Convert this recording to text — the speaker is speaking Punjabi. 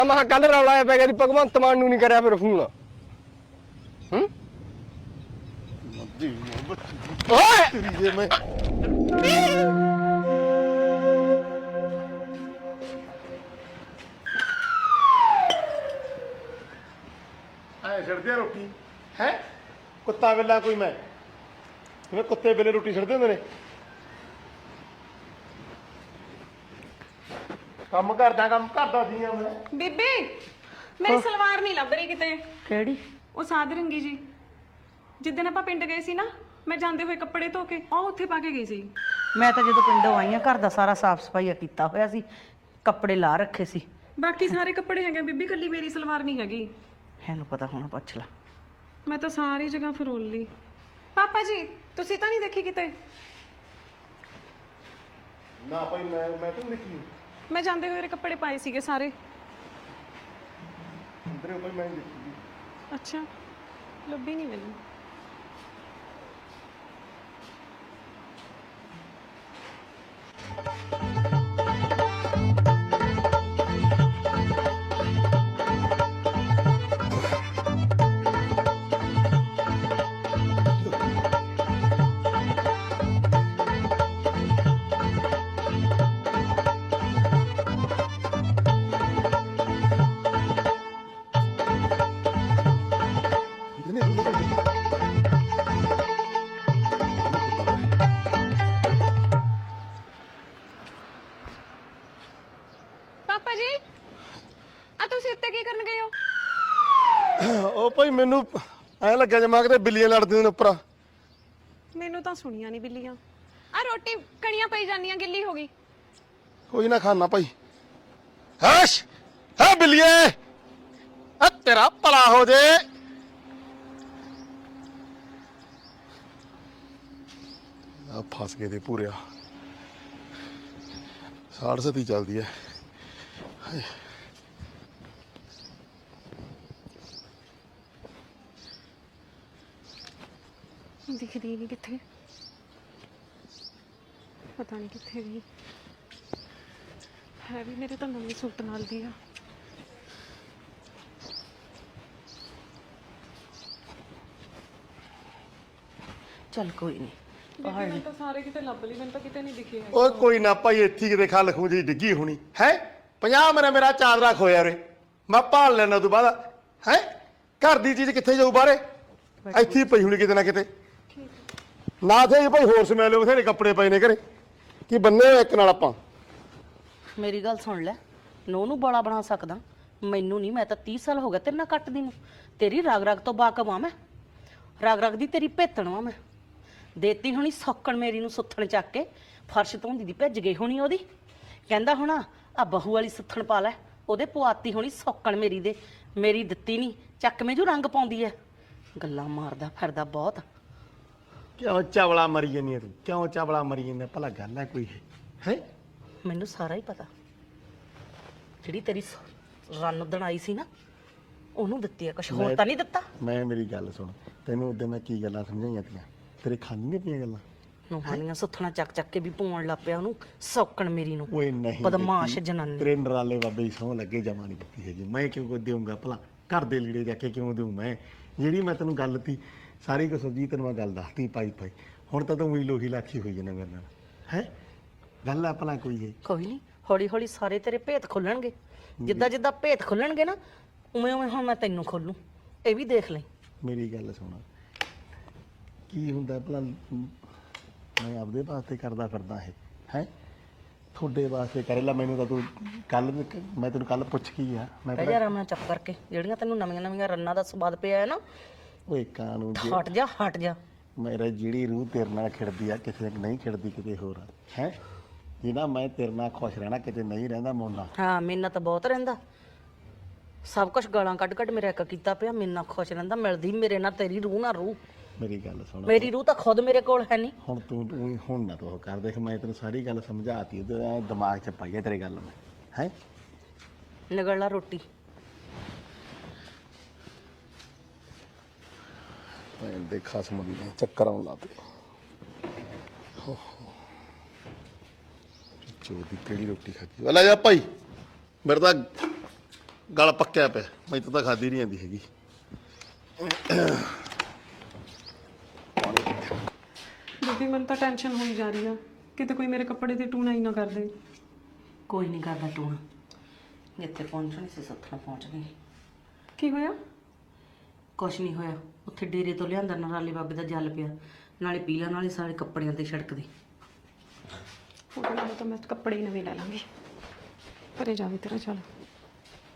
ਮੈਂ ਕੱਲ ਰੌਲਾ ਆਇਆ ਪੈ ਗਿਆ ਭਗਵੰਤ ਮਾਨ ਨੂੰ ਨਹੀਂ ਕਰਿਆ ਫਿਰ ਫੋਨ। ਓਏ ਜੇ ਮੈਂ ਆਏ ਛੱਡਦੇ ਰੋਟੀ ਹੈ ਕੁੱਤਾ ਵੇਲਾ ਕੋਈ ਮੈਂ ਜਿਵੇਂ ਕੁੱਤੇ ਵੇਲੇ ਰੋਟੀ ਛੱਡਦੇ ਹੁੰਦੇ ਨੇ। ਕੰਮ ਕਰਦਾ ਸੀ ਮੈਂ। ਬੀਬੀ ਮੇਰੀ ਸਲਵਾਰ ਨਹੀਂ ਲੱਭ ਰਹੀ ਕਿਤੇ। ਕਿਹੜੀ? ਉਹ ਸਾਧ ਰੰਗੀ ਜੀ ਜਿੱਦਣ ਆਪਾਂ ਪਿੰਡ ਗਏ ਸੀ ਨਾ, ਮੈਂ ਜਾਂਦੇ ਹੋਏ ਕੱਪੜੇ ਧੋ ਕੇ ਉਹ ਉੱਥੇ ਪਾ ਕੇ ਗਈ ਸੀ। ਮੈਂ ਤਾਂ ਜਦੋਂ ਪਿੰਡੋਂ ਆਈ ਆ ਘਰ ਦਾ ਸਾਰਾ ਸਾਫ਼ ਸਫਾਈ ਕੀਤਾ ਹੋਇਆ ਸੀ, ਕੱਪੜੇ ਲਾ ਰੱਖੇ ਸੀ। ਬਾਕੀ ਸਾਰੇ ਕੱਪੜੇ ਹੈਗੇ ਬੀਬੀ, ਕੱਲੀ ਮੇਰੀ ਸਲਵਾਰ ਨਹੀਂ ਹੈਗੀ। ਇਹਨੂੰ ਪਤਾ ਹੋਣਾ, ਪੁੱਛ ਲੈ। ਮੈਂ ਤਾਂ ਸਾਰੀ ਜਗ੍ਹਾ ਫਰੋਲ ਲਈ। ਪਾਪਾ ਜੀ ਤੁਸੀਂ ਤਾਂ ਨਹੀਂ ਦੇਖੀ ਕਿਤੇ? ਨਾ ਭਾਈ ਮੈਂ ਤਾਂ ਦੇਖੀ ਮੈਂ ਜਾਂਦੇ ਹੋਏ ਕੱਪੜੇ ਪਾਏ ਸੀਗੇ ਸਾਰੇ। ਅੰਦਰੇ ਭਾਈ ਮੈਂ ਦੇਖੀ। ਅੱਛਾ, ਲੱਭੀ ਨਹੀਂ ਮੈਨੂੰ। ਪਾਪਾ ਜੀ ਆ ਤੁਸੀਂ ਉੱਤੇ ਕੀ ਕਰਨ ਗਏ ਹੋ? ਉਹ ਭਾਈ ਮੈਨੂੰ ਐ ਲੱਗਿਆ ਜਮਾ ਕਿਤੇ ਬਿੱਲੀਆਂ ਲੜਦੀਆਂ ਨੇ ਉੱਪਰ। ਮੈਨੂੰ ਤਾਂ ਸੁਣੀਆਂ ਨਹੀਂ ਬਿੱਲੀਆਂ। ਆ ਰੋਟੀ ਕਣੀਆਂ ਪਈ ਜਾਂਦੀਆਂ, ਗਿੱਲੀ ਹੋ ਗਈ। ਕੋਈ ਨਾ ਖਾਣਾ ਭਾਈ। ਹਸ਼ ਹੈ ਬਿੱਲੀਏ, ਆ ਤੇਰਾ ਭਲਾ ਹੋ ਜੇ। ਆ ਫਸ ਗਏ ਦੇ ਪੂਰਿਆ। ਸਾੜ ਸਤੀ ਚੱਲਦੀ ਹੈ। ਦਿਖਦੀ ਨਹੀਂ ਕਿੱਥੇ, ਪਤਾ ਨਹੀਂ ਕਿੱਥੇ ਗਈ ਹੈ। ਵੀ ਮੇਰੇ ਤਾਂ ਨਵੇਂ ਸੂਟ ਨਾਲ ਦੀ ਆ। ਚੱਲ ਕੋਈ ਨਹੀਂ, ਮੈਂ ਤਾਂ ਸਾਰੇ ਕਿਤੇ ਲੱਭ ਲਈ, ਮੈਨੂੰ ਤਾਂ ਕਿਤੇ ਨਹੀਂ ਦਿਖੀ ਹੈ। ਓਏ ਕੋਈ ਨਾ ਭਾਈ, ਇੱਥੇ ਕਿਤੇ ਖਲ ਖੂੰ ਜੀ ਡਿੱਗੀ ਹੋਣੀ ਹੈ। 50 ਮੇਰਾ ਚਾਦਰਾ ਖੋਇਆ ਰੇ, ਮੈਂ ਭਾਲ ਲੈਣਾ ਤੋਂ ਬਾਅਦ ਹੈ। ਘਰ ਦੀ ਚੀਜ਼ ਕਿੱਥੇ ਜਾਊ ਬਾਹਰੇ? ਇੱਥੇ ਹੀ ਪਈ ਹੋਣੀ ਕਿਤੇ ਨਾ ਕਿਤੇ। ਨਾ ਥੇ ਭਾਈ ਹੋਰ ਸਮੈਲ ਬਥੇਰੇ ਕੱਪੜੇ ਪਏ ਨੇ ਘਰੇ, ਕੀ ਬੰਨੇ ਹੋਏ ਇੱਕ ਨਾਲ ਆਪਾਂ। ਮੇਰੀ ਗੱਲ ਸੁਣ ਲੈ, ਨੂੰ ਬੜਾ ਬਣਾ ਸਕਦਾ, ਮੈਨੂੰ ਨਹੀਂ। ਮੈਂ ਤਾਂ 30 ਸਾਲ ਹੋ ਗਏ ਤੇਰੇ ਨਾਲ ਕੱਟਦੀ ਨੂੰ। ਤੇਰੀ ਰਾਗ ਰਾਗ ਤੋਂ ਬਾਕਮ ਆ ਮੈਂ, ਰਾਗ ਰਾਗ ਦੀ ਤੇਰੀ ਭੇਤਣ ਆ ਮੈਂ। ਦੇਤੀ ਹੋਣੀ ਸੌਕਣ ਮੇਰੀ ਨੂੰ ਸੁੱਥਣ ਚੱਕ ਕੇ, ਫਰਸ਼ ਧੋਂਦੀ ਦੀ ਭਿੱਜ ਗਈ ਹੋਣੀ ਉਹਦੀ। ਕਹਿੰਦਾ ਹੋਣਾ ਆ ਬਹੂ ਵਾਲੀ ਸੁੱਥਣ ਪਾ ਲੈ, ਉਹਦੇ ਪਵਾਤੀ ਹੋਣੀ ਸੌਕਣ ਮੇਰੀ ਦੇ। ਮੇਰੀ ਦਿੱਤੀ ਨਹੀਂ, ਚੱਕ ਮੇ ਜੋ ਰੰਗ ਪਾਉਂਦੀ ਐ। ਗੱਲਾਂ ਮਾਰਦਾ ਫਿਰਦਾ ਬਹੁਤ। ਕਿਉਂ ਚਾਵਲਾ ਮਰੀ ਜਾਂਦੀ ਤੂੰ? ਕਿਉਂ ਚਾਵਲਾ ਮਰੀ ਜਾਂਦਾ? ਭਲਾ ਗੱਲ ਹੈ ਕੋਈ ਹੈ? ਮੈਨੂੰ ਸਾਰਾ ਹੀ ਪਤਾ। ਜਿਹੜੀ ਤੇਰੀ ਰੰਨ ਉਦਣ ਆਈ ਸੀ ਨਾ, ਉਹਨੂੰ ਦਿੱਤੀ ਆ, ਕੁਛ ਹੋਰ ਤਾਂ ਨਹੀਂ ਦਿੱਤਾ। ਮੈਂ ਮੇਰੀ ਗੱਲ ਸੁਣ, ਤੈਨੂੰ ਉਦੋਂ ਮੈਂ ਕੀ ਗੱਲਾਂ ਸਮਝਾਈਆਂ ਤੀਆਂ, ਤੇਰੇ ਖਾਣੀ ਨਹੀਂ ਪਈਆਂ ਗੱਲਾਂ। ਨੂੰਹਾਨੀਆਂ ਸੁੱਥਣਾ ਚੱਕ ਚੱਕ ਕੇ ਵੀ ਪਵਾਉਣ ਲੱਗ ਪਿਆ ਉਹਨੂੰ ਸੌਕਣ ਮੇਰੀ ਨੂੰ। ਓਏ ਨਹੀਂ ਬਦਮਾਸ਼ ਜਨਾਨੀ। ਤੇਰੇ ਨਰਾਲੇ ਬਾਬੇ ਦੀ ਸਹੁੰ ਲੱਗੇ ਜਮਾ ਨਹੀਂ ਦਿੱਤੀ ਹੈਗੀ। ਮੈਂ ਕਿਉਂ ਦੇਵਾਂਗਾ ਭਲਾ? ਘਰ ਦੇ ਲੀੜੇ ਜਾ ਕੇ ਕਿਉਂ ਦੇਵਾਂ ਮੈਂ? ਜਿਹੜੀ ਮੈਂ ਤੈਨੂੰ ਗੱਲ ਤੀ ਸਾਰੀ ਕੁਛ ਜੀ ਤੈਨੂੰ ਮੈਂ ਗੱਲ ਦੱਸਤੀ ਪਾਈ ਪਾਈ। ਹੁਣ ਤਾਂ ਤੂੰ ਵੀ ਲੋਹੀ ਲਾਖੀ ਹੋਈ ਜਨਾ ਮੇਰੇ ਨਾਲ ਹੈ। ਗੱਲ ਆ ਭਲਾ ਕੋਈ ਹੈ? ਕੋਈ ਨਹੀਂ, ਹੌਲੀ ਹੌਲੀ ਸਾਰੇ ਤੇਰੇ ਭੇਤ ਖੁੱਲਣਗੇ। ਜਿੱਦਾਂ ਜਿੱਦਾਂ ਭੇਤ ਖੁੱਲਣਗੇ ਨਾ, ਉਵੇਂ ਉਵੇਂ ਹੁਣ ਮੈਂ ਤੈਨੂੰ ਖੋਲੂ। ਇਹ ਵੀ ਦੇਖ ਲੈ। ਮੇਰੀ ਗੱਲ ਸੁਣ, ਕੀ ਹੁੰਦਾ ਭਲਾ? ਮੈਂ ਆਪਦੇ ਵਾਸਤੇ ਕਰਦਾ ਫਿਰਦਾ ਇਹ ਹੈ, ਤੁਹਾਡੇ ਵਾਸਤੇ ਕਰੇਲਾ। ਮੈਨੂੰ ਤਾਂ ਤੂੰ ਕੱਲ, ਮੈਂ ਤੈਨੂੰ ਕੱਲ ਪੁੱਛ ਕੀ ਆ, ਮੈਂ ਬਹਿ ਜਾ ਆਰਾਮ ਨਾਲ ਚੱਪ ਕਰਕੇ। ਜਿਹੜੀਆਂ ਤੈਨੂੰ ਨਵੀਆਂ ਨਵੀਆਂ ਰੰਨਾਂ ਦਾ ਸਵਾਦ ਪਿਆ ਹੈ ਨਾ, ਓਏ ਕਾਨੂੰ ਹਟ ਜਾ ਹਟ ਜਾ। ਮੇਰਾ ਜਿਹੜੀ ਰੂਹ ਤੇਰੇ ਨਾਲ ਖਿੜਦੀ ਆ, ਕਿਸੇ ਨਹੀਂ ਖਿੜਦੀ ਕਿਤੇ ਹੋਰ ਹੈ। ਜਿਹਦਾ ਮੈਂ ਤੇਰੇ ਨਾਲ ਖੁਸ਼ ਰਹਿਣਾ, ਕਿਤੇ ਨਹੀਂ ਰਹਿੰਦਾ ਮੋਨਾ। ਹਾਂ, ਮੇਰੇ ਨਾਲ ਤਾਂ ਬਹੁਤ ਰਹਿੰਦਾ। ਸਭ ਕੁਝ ਗਾਲਾਂ ਕੱਢ ਕੱਢ ਮੇਰੇ ਇੱਕ ਕੀਤਾ ਪਿਆ। ਮੇਰੇ ਨਾਲ ਖੁਸ਼ ਰਹਿੰਦਾ, ਮਿਲਦੀ ਮੇਰੇ ਨਾਲ ਤੇਰੀ ਰੂਹ ਨਾਲ ਰੂਹ। ਮੇਰੀ ਗੱਲ ਸੁਣ, ਮੇਰੀ ਰੂਹ ਤਾਂ ਖੁਦ ਮੇਰੇ ਕੋਲ ਹੈ ਨਹੀਂ। ਹੁਣ ਤੂੰ ਹੁਣ ਨਾ ਤੂੰ ਕਰ। ਦੇਖ ਮੈਂ ਤੈਨੂੰ ਸਾਰੀ ਗੱਲ ਸਮਝਾਤੀ, ਉਹਦੇ ਦਿਮਾਗ 'ਚ ਪਾਈ ਆ ਤੇਰੇ ਗੱਲ ਮੈਂ ਹੈ। ਨਿਗਲ ਲਾ ਰੋਟੀ। ਦੇ ਖਸਮ ਦੀ ਚੱਕਰ ਆਉਣ ਲੱਗ ਪਏ। ਚੋਦੀ ਕਿਹੜੀ ਰੋਟੀ ਖਾਦੀ? ਲੈ ਜਾ ਭਾਈ, ਮੇਰੇ ਤਾਂ ਗਲ ਪੱਕਿਆ ਪਿਆ, ਮੈਨੂੰ ਤਾਂ ਖਾਦੀ ਨਹੀਂ ਜਾਂਦੀ ਹੈਗੀ। ਬੀਬੀ ਮੈਨੂੰ ਤਾਂ ਟੈਨਸ਼ਨ ਹੋਈ ਜਾ ਰਹੀ ਆ, ਕਿਤੇ ਕੋਈ ਮੇਰੇ ਕੱਪੜੇ ਤੇ ਟੂਣਾ ਹੀ ਨਾ ਕਰ ਦੇ। ਕੋਈ ਨਹੀਂ ਕਰਦਾ ਟੂਣਾ, ਜਿੱਥੇ ਪਹੁੰਚਣੀ ਸੀ ਉੱਥੇ ਪਹੁੰਚ ਗਈ। ਕੀ ਹੋਇਆ? ਕੁਛ ਨਹੀਂ ਹੋਇਆ, ਉੱਥੇ ਡੇਰੇ ਤੋਂ ਲਿਆਂਦਾ ਨਰਾਲੇ ਬਾਬੇ ਦਾ ਜਲ ਪਿਆ, ਨਾਲੇ ਪੀਲਾ ਨਾਲੇ ਸਾਰੇ ਕੱਪੜਿਆਂ ਤੇ ਛਿੜਕਦੀ। ਉਹਦੇ ਨਾਲ ਤਾਂ ਮੈਂ ਕੱਪੜੇ ਹੀ ਨਵੇਂ ਲੈ ਲਾਂਗੀ। ਘਰੇ ਜਾਵੇ ਤੇਰਾ ਚੱਲ।